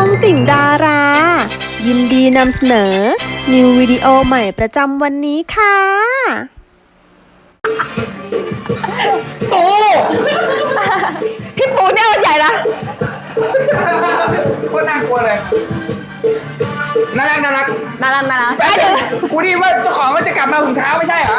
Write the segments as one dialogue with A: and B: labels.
A: องติ่งดารา ยินดีนำเสนอ นิววิดีโอใหม่ประจำวันนี้ค่ะ
B: ปูพี่ปูเนี่ยมันใหญ่นะ
C: โคตรน่ากลัวเลยน่ารัก
B: น่ารัก
C: แป๊บนึงกูดีว่าเจ้าของมันจะกลับมาถุงเท้าไม่ใช่เหรอ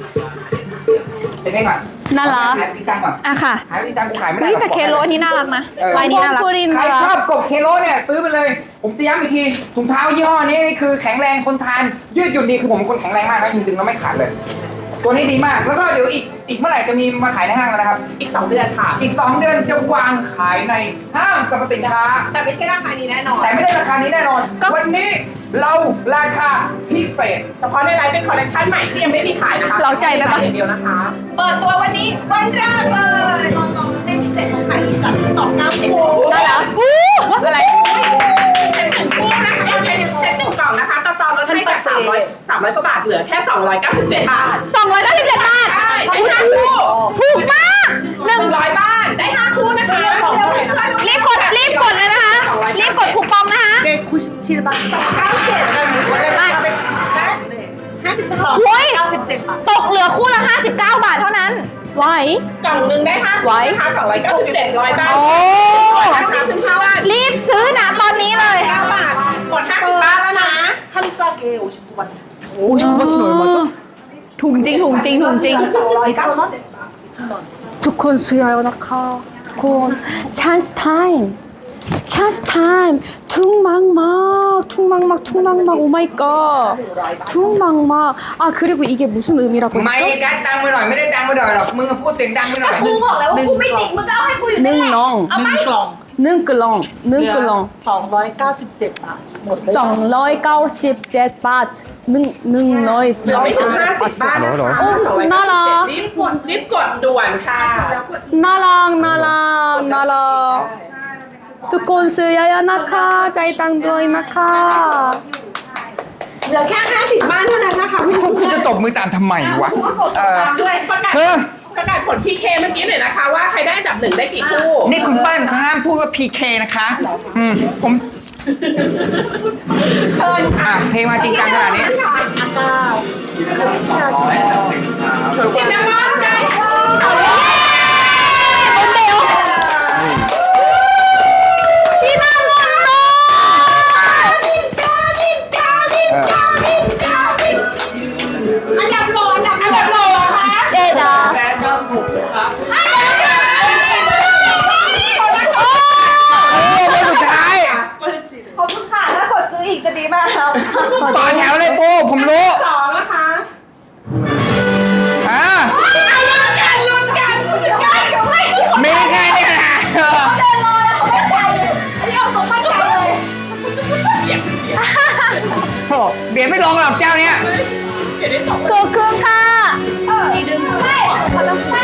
C: เป็นไงก่อน
B: น่ารัก
C: ขายตีตังก่อน
B: อ่ะค่ะ
C: ขายตีตังกูขายไม่ได้
B: เฮ้ยแต่เคโลอันนี้น่ารักนะลายนี้น่ารัก
C: ใครชอบกบเคโลเนี่ยซื้อไปเลย ผมจะย้ำอีกทีถุงเท้ายี่ห้อนี้นี่คือแข็งแรงคนทานยืดหยุ่นดีคือผมเป็นคนแข็งแรงมากนะจริงๆแล้วไม่ขาดเลย ตัวนี้ดีมากแล้วก็เดี๋ยวอีกเมื่อไหร่จะมีมาขายในห้างแล้วนะครับอีก2 เดือนค่ะอีก2 เดือนจะวางขายในห้างสรรพสินค้า
D: แต่ไม่ใช่ราคานี้แน่นอน
C: แต่ไม่ได้ราคานี้แน่นอนวันนี้เราราคาพิเศษ
D: เฉพาะในไลฟ์เป็นคอลเลคชันใหม่ที่ยังไม่มีขายนะคะ
B: เราใจไหมปะ
D: อย่างเดียวนะคะ เปิดตัววันนี้วันแรกเลยตอน2เป็นพิเศษของขายที่จัดคือ290
B: น่ารักอะไร
D: เป็นหนึ่งคู่นะคะเป็นเซ็ตหนึ่งกล่องนะคะตอนลดให้จาก300กว่าบาทเหลือแค่297 บาท
B: 297 บาท
D: ใช่ได้5คู่
B: ถูกมาก
D: 100 บ้านได้5คู่นะคะ
B: รีบกดเลยนะคะ รีบกดคูปองนะคะ
D: 29752
B: โอ้ย
D: 97 บาท
B: ตกเหลือคู่ละ59 บาทเท่านั้นไหว
D: กล่องหนึ่งได้5คู่นะคะ297 100 บ้าน
B: โอ้
D: 155 บ้าน
B: รีบซื้อนะตอนนี้เลย
D: 9 บาทหมด50 บ้านแล้วนะ
B: ถูกจริง
E: ทุกคนซื้อแล้วนะคะทุกคน chance time chance time 퉁망막 오 마이 갓 퉁망막 아 그리고 이게 무슨 의미라고
C: ไม่
E: 했죠?
C: กัดตังค์ไปหน่อยไม่ได้ตังค์ไปหน่อยหรอกมึงพูดเสียงดังไปหน่อย
D: กูบอกแล้วว่ากูไม่ติดมึงก็เอาให้กูอยู่นั่นแหละ
E: 능렁
D: เอาไหม
E: 능끌렁
D: 297 บาทหมดเลย
E: 297 바트 능러이
D: เราไม่ถึง50 บ้านนะคะ
E: 나라
D: รีบกดด่วนค่ะ
E: 나랑 두콘 쓰야야 나카 짜이땅도이 나카
D: เหลือแค่50 บ้านเท่านั้นนะคะพี่
C: กูจะตบมือตามทำไมวะ
D: ก็กดตามด้วยประกาศ
C: เออ
D: ผล PK เมื่อกี้หน่อยนะคะว่าใครได้อันดับ 1ได้กี่คู่
C: นี่คุณป้านเขาห้ามพูดว่า PK นะคะผม
D: เชิญค่ะ
C: เพลงมาจริงจังขนาดนี้
D: ชินนามอนได้เอาเลย
B: คนเดียวชิมามอนโล
D: อันดับโหลค่ะ
B: เดดา
C: สุดท้าย
B: ขอบคุณค่ะถ้ากดซื้ออีกจะดีมากครับ
C: ต่อแถวเลยปูผมรู้
D: 2นะคะ
C: อ่า
D: ลุ้นกันไม่
C: มีแค่นี้นะ
B: เดินรอแล้วเขาไม่ใจเลยอันนี้เอาสมมั่นใจเลย
C: โอ้เบียดไม่ลงหรอกเจ้าเนี้ย
D: เดี๋ยวได้ตอบ
B: ขอบคุณค่ะ
D: ไม่คนละไม่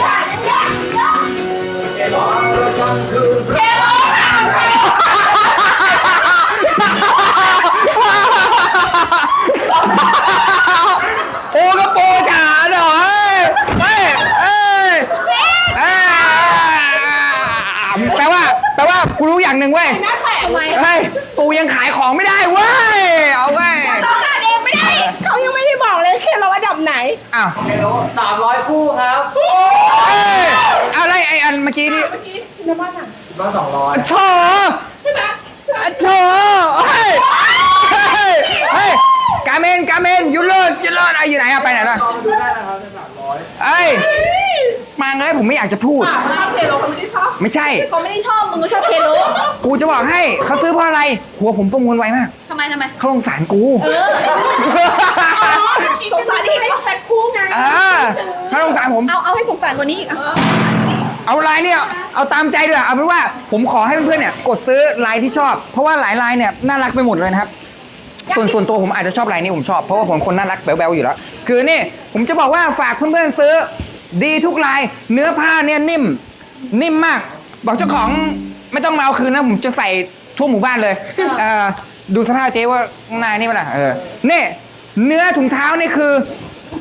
C: โอ้ก็โปจ๋าหน่อยแปลว่ากูรู้อย่างหนึ่งเว้ย
D: หน้าแตกไหม
C: เฮ้ยปูยังขายของไม่ได้เว้ยเอาเว้ย
D: ต้องหาเองไม่ได้เขายังไม่ได้บอกเลยแค่เราอันดับไหน
C: อ้าว
F: 300 คู่ครับ
C: เอ้ยอะไรไออันเมื่อกี้นี่
D: ชินนามอนอ่ะ
F: ก็200
C: โถ
D: ใช่ไหม
C: โถเฮ้ยกาเมนยูเลิศอะไรอยู่ไหนอะไปไหนล่ะ
F: ดูได้นะครับใน300
C: เอ้ยมาเลยผมไม่อยากจะพูด
D: เขาชอบเทโลเขาไม่ได้ชอบ
C: ไม่ใช่
B: เขาไม่ได้ชอบมึงก็ชอบเคโล
C: กูจะบอกให้เขาซื้อเพราะอะไร หัวผมประมวลไวมาก
B: ทำไม
C: เขาลงสารกู
B: สงสารที่
D: ให้แพ็คคู่ไง
C: เขาลงสารผม
B: เอาให้สงสารกว่านี้อีก
C: เอาลายเนี่ยเอาตามใจด้วยเอาเป็นว่าผมขอให้เพื่อนๆเนี่ยกดซื้อลายที่ชอบ เพราะว่าหลายลายเนี่ยน่ารักไปหมดเลยนะครับส่วนตัวผมอาจจะชอบลายนี้ผมชอบเพราะว่าผมคนน่ารักแบ๊วๆอยู่แล้วคือนี่ผมจะบอกว่าฝากเพื่อนๆซื้อดีทุกลายเนื้อผ้าเนี่ยนิ่มมากบอกเจ้าของไม่ต้องมาเอาคืนนะผมจะใส่ทั่วหมู่บ้านเลยดูสภาพเจ๊ว่านายนี่ป่ะล่ะนี่เนื้อถุงเท้านี่คือ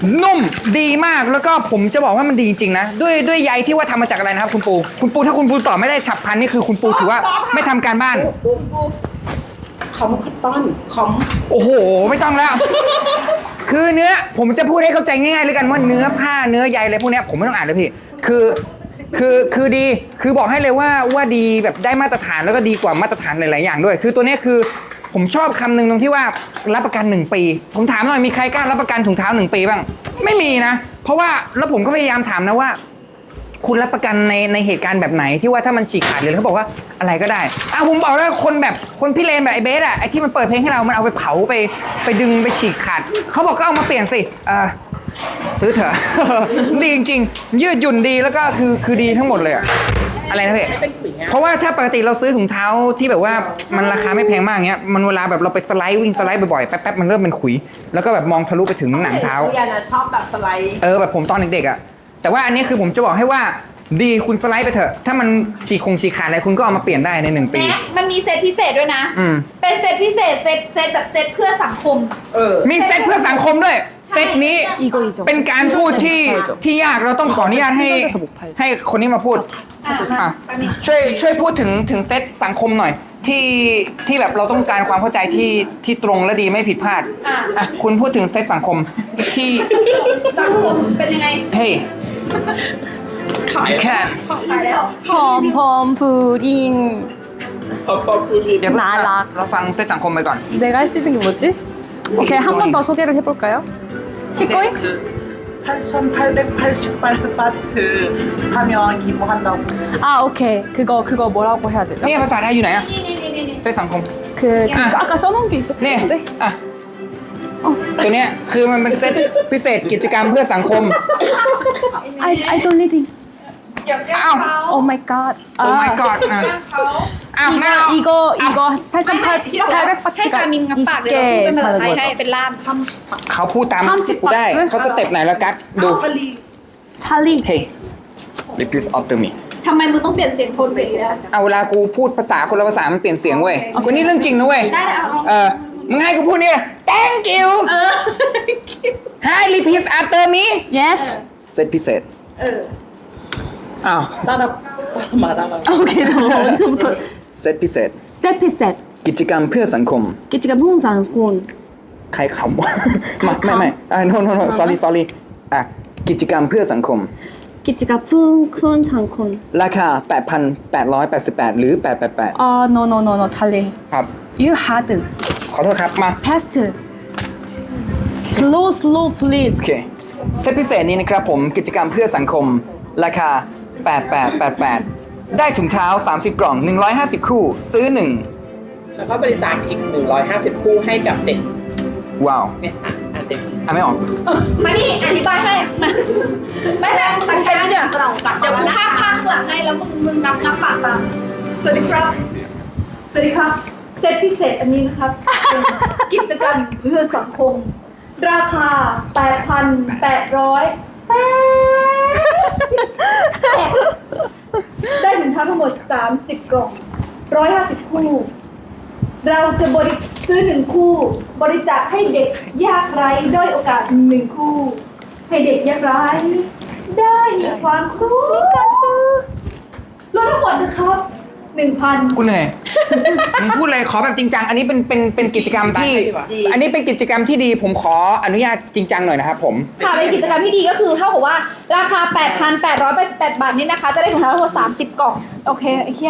C: นุ่มดีมากแล้วก็ผมจะบอกว่ามันดีจริงๆนะด้วยใยที่ว่าทำมาจากอะไรนะครับคุณปูถ้าคุณปูตอบไม่ได้ฉับพลันนี่คือคุณปูถือว่าไม่ทำการบ้าน
D: คอมคอตตอนคอม
C: โอ้โห ไม่ต้องแล้ว คือเนื้อผมจะพูดให้เข้าใจง่ายๆเลยกันว่าเนื้อผ้าเนื้อใยอะไรพวกเนี้ยผมไม่ต้องอ่านเลยพี่คือดีคือบอกให้เลยว่าดีแบบได้มาตรฐานแล้วก็ดีกว่ามาตรฐานหลายๆอย่างด้วย คือตัวเนี้ยคือผมชอบคำหนึ่งตรงที่ว่ารับประกัน1 ปีผมถามหน่อยมีใครกล้ารับประกันถุงเท้า1 ปีบ้างไม่มีนะ เพราะว่าแล้วผมก็พยายามถามนะว่า คุณรับประกันในเหตุการณ์แบบไหนที่ว่าถ้ามันฉีกขาดเลยเขาบอกว่าอะไรก็ได้ผมบอกแล้วคนพี่เลนแบบไอ้เบสอะไอ้ที่มันเปิดเพลงให้เรามันเอาไปเผาไปดึงไปฉีกขาดเขาบอกก็เอามาเปลี่ยนสิซื้อเถอะ ดีจริงๆยืดหยุ่นดีแล้วก็คือดีทั้งหมดเลยอะอะไรนะพี่เพราะว่าถ้าปกติเราซื้อถุงเท้าที่แบบว่ามันราคาไม่แพงมากเงี้ยมันเวลาแบบเราไปสไลด์วิ่งสไลด์บ่อยๆแป๊บๆมันเริ่มเป็นขุยแล้วก็แบบมองทะลุไปถึงหนังเท้า
D: เรียนอะชอบแบบสไลด์
C: แบบผมตอนเด็กๆอะแต่ว่าอันนี้คือผมจะบอกให้ว่าดีคุณสไลด์ไปเถอะถ้ามันฉีกขาดอะไรคุณก็เอามาเปลี่ยนได้ใน1 ปี
B: แม็กมันมีเซตพิเศษด้วยนะ เป็นเซตพิเศษเซตแบบเซตเพื่อสังคม
C: มีเซตเพื่อสังคมด้วยเซตนี้เป็นการพูดที่ยากเราต้องขออนุญาตให้คนนี้มาพูดช่วยพูดถึงเซตสังคมหน่อยที่แบบเราต้องการความเข้าใจที่ตรงและดีไม่ผิดพลาดคุณพูดถึงเซตสังคมที่
B: สังคมเป็นยังไง
C: เฮ้ยแค่
B: ขายแล้ว
E: 펌펌 푸딩
C: เดี๋ยว
E: น่ารัก
C: เราฟังเซตสังคมไปก่อน
E: 내가 할 수 있는 게 뭐지? 오케이 한 번 더 소개를 해볼까요? 킥고잉?
F: 8,888바트 하면 기부한다고.
E: 아 오케이 그거 뭐라고 해야 되죠?
C: นี่ภาษาไทยอยู่ไหนอะ
B: นี่
C: เซตสังคม
E: 그 아까 써놓은 게
C: นี่
E: 있었는데
C: อ่ะตัวเนี้ยคือมันเป็นเซตพิเศษกิจกรรมเพื่อสังคม
E: I don't reading
B: เดี๋ยวแก้
C: อ้าว
B: เขา
E: Oh my god
C: โอ้ my god
B: แก้เขา
C: อ้าวงั้นเรา
E: 이거
B: พี่ต้องให้กามินงับปากเดี๋ยวเราพูดเป็นภาษาไทยให้
E: 20개
B: เป็นล่าม
C: เขาพูดตาม
E: 30
C: กูได้
E: บาท
C: เขาสเต็ปไหนแล้วกัดดู
E: 찰리
C: Hey repeat after me
B: ทำไมมึงต้องเปลี่ยนเสียงโทนเสียงอีกแล้ว
C: เอาเวลากูพูดภาษาคนละภาษามันเปลี่ยนเสียงเว้ยกูนี่เรื่องจริงนะเว้ย
B: ได้เอา
C: มึงให้กูพูดเนี่ย thank you ให้ repeat after me
E: Yes
C: เซตพิเศษ อ้าว
E: 오케이 너 어디서부터
C: เซตพิเศษ
E: 셀피셋
C: กิจกรรมเพื่อสังคม
E: 기지가 풍장군
C: ใครขำวะ ไม่no sorry กิจกรรมเพื่อสังคม
E: 기지가 풍장군
C: ราคา 8,888 หรือ 888
E: no 찰리
C: ครับ
E: You hard
C: ขอโทษครับ มา
E: fast slow please
C: โอเค เซตพิเศษนี้นะครับผมกิจกรรมเพื่อสังคม ราคา 8888 ได้ถุงเท้า 30 กล่อง 150 คู่ ซื้อ
D: แล้วก็บริจาคอีก150 คู่ให้กับเด็ก
C: 1 ว้าว
D: เนี่ยเด็ก
C: ไม่ออก
B: มานี่อธิบายให้มาไม่กูเป็นนี่เดี๋ยวกูพากหลังให้แล้วมึงนับปากตามสวัสดีครับเซตพิเศษอันนี้นะครับเป็นกิจกรรมเพื่อสังคม ราคา ได้ถุงเท้าทั้งหมด 30 กล่อง 150 คู่ เราจะซื้อ1 คู่ บริจาคให้เด็กยากไร้ด้อยโอกาส1 คู่ ให้เด็กยากไร้ได้มีความสุขลดทั้งหมดนะครับ 1,000
C: กูเหนื่อย มึงพูดเลยขอแบบจริงจัง อันนี้เป็นกิจกรรมที่ อันนี้เป็นกิจกรรมที่ดี ผมขออนุญาตจริงจังหน่อยนะครับผม
B: ค่ะเป็นกิจกรรมที่ดีก็คือเท่ากับว่าราคา 8,888 บาทนี่นะคะ จะได้ถุงเท้าทั้งหมด30 กล่อง โอเคไอ้เหี้ย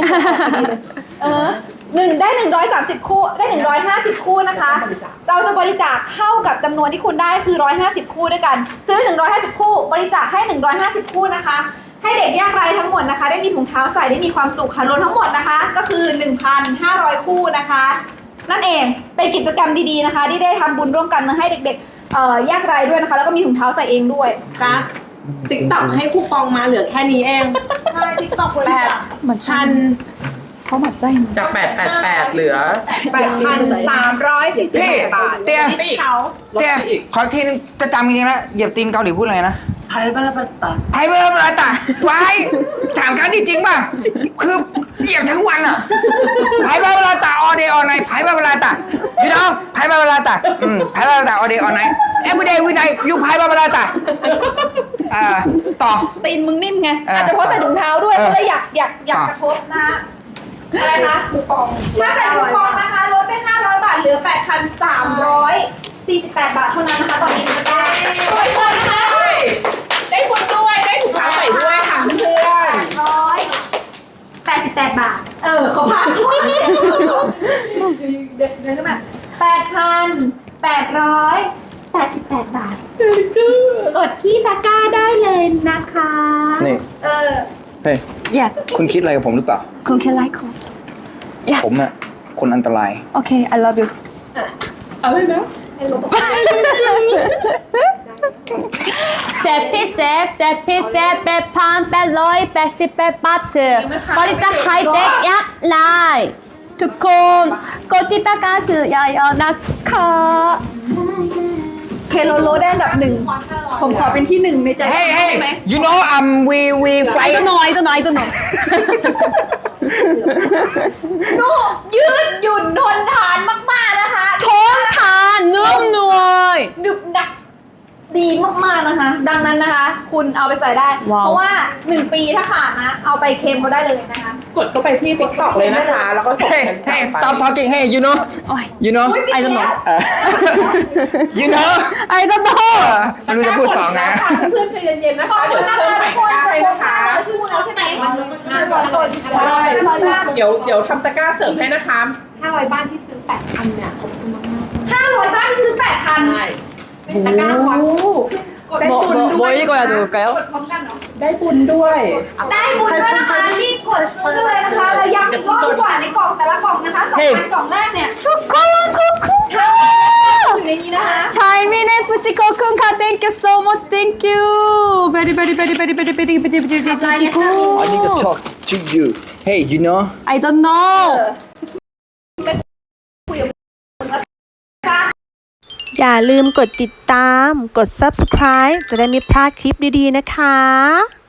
B: ได้130 คู่ได้150 คู่นะคะ เราจะบริจาคเท่ากับจำนวนที่คุณได้คือ150 คู่ด้วยกัน ซื้อ150 คู่ บริจาคให้150 คู่นะคะ ให้เด็กยากไร้ทั้งหมดนะคะ ได้มีถุงเท้าใส่ได้มีความสุขค่ะรวมทั้งหมดนะคะ ก็คือ 1,500 คู่นะคะ นั่นเองเป็นกิจกรรมดีๆนะคะ ที่ได้ทำบุญร่วมกันให้เด็กๆยากไร้ด้วยนะคะ แล้วก็มีถุงเท้าใส่เองด้วย
D: กั๊กติ๊กต็อกให้คูปองมาเหลือแค่นี้เอง
B: ใช่ติ๊กต็อกคน
D: 8,000
E: เขาหมั่นไส้
D: จาก888เหลือ 8,340 บาท
C: เตี้ย
D: ไปอีกเขา
C: เตี้ยขออีกทีนึงจะจำจริงๆแล้วเหยียบตีนเกาหลีพูดอะไรนะ
F: 발발발다.
C: ไพเบอร์อะไรตาไว้ถามกันจริงๆป่ะ คือเหยียบทั้งวันอ่ะไพเบอร์อะไรตา all day all night ไพเบอร์อะไรตาพี่น้องไพเบอร์อะไรตาไพเบอร์อะไรตา all day all night every day every night ยูไพเบอร์อะไรตาต่อ
B: ตีนมึงนิ่มไง
C: อ่า
B: อาจจะเพราะใส่ถุงเท้าด้วย
C: เออ
B: ก็เลยอยาก
C: ต่อ
B: กระทบนะฮะอะไรคะคูปองถ้าใส่คูปองนะคะลดไป500 บาทเหลือ 8,348 บาทเท่านั้นนะคะตอนนี้จะได้ไปเลยนะคะ
D: ได้บุญด้วย ได้ถุงเท้าใส่ด้วยค่ะเพื่อน
B: 888 บาท เขาผ่านเดินขึ้นมา8,888 บาทกดที่ตะกร้าได้เลยนะคะ
C: นี่ เฮ้ย
E: Yeah.
C: คุณคิดอะไรกับผมหรือเปล่า
E: คุณแค่ไลค์เขา Yes.
C: ผมน่ะคนอันตราย
E: Okay, I love you.
D: อะไรนะ
E: เซตพิเศษ8,888 บาทบริจาคให้เด็กยากไร้ทุกคนกดติดตามสื่อเยอะๆนะคะ
B: เคโลโลได้อันดับหนึ่ง ผมขอเป็นที่หนึ่งในใจ
C: Hey
B: ได้
C: hey
B: ไหม
C: you know we
E: I
C: fight
E: don't know I don't know
B: นูยืดหยุ่นทนทานมากๆนะคะ
E: ทนทานนุ่มนวล
B: ดึบดักดีมากๆนะคะ ดังนั้นนะคะ คุณเอาไปใส่ได้
E: ว้าว
B: เพราะว่า 1 ปีถ้าขาดนะ เอาไปเคลมเขาได้เลยนะคะ
D: กดเข้าไปที่ TikTok เลยนะคะ แล้วก็ส่ง
C: Hey hey stop talking Hey you know
E: โอ้ย
C: you know
B: อุ๊ย
E: I don't know
C: you know
E: I don't know
C: ไม่รู้จะพูดต่อไง
D: เพื่อนๆใจเย็นๆนะ
B: ขอบ
D: คะ
B: คุ
D: เดี๋ย
B: ณ
D: ว
B: นะ
D: เพิ่ม
B: คะ
D: ใหม่
B: ทุกคน
D: ตะกร้าให้
B: จะ
D: นะ
B: ครบ
D: คะ
B: 500 ชื่อมึงแล้วใช่ไหม500 บาท
D: เดี๋ยวทำตะกร้าเสริมให้นะคะ500 บ้านที่ซื้อ 8,000 เนี่ยขอบคุณมากๆ
B: 500 บาทที่ซื้อ 8,000
D: ใช่ตะกร้าวัดได้บุญด้วย
E: 뭐 읽어야 좋을까요?
B: กดพร้อมกันเนาะ
D: ได้บุญด้วย
B: ได้บุญด้วยนะคะรีบกดซื้อเลยนะคะแล้วย้ำอีกรอบดีกว่าในกล่องแต่ละกล่องนะคะ2,000กล่องแรกเนี่ย
E: ทุกคนขอบคุณค่ะ
B: อยู่ในนี้นะคะ
E: Charmin FC ขอบคุณค่ะ Thank you so much Thank you Very very very very very very very very very good
C: I need to talk to you Hey you know
E: I don't know
A: อย่าลืมกดติดตาม กด subscribe จะได้ไม่พลาดคลิปดีๆนะคะ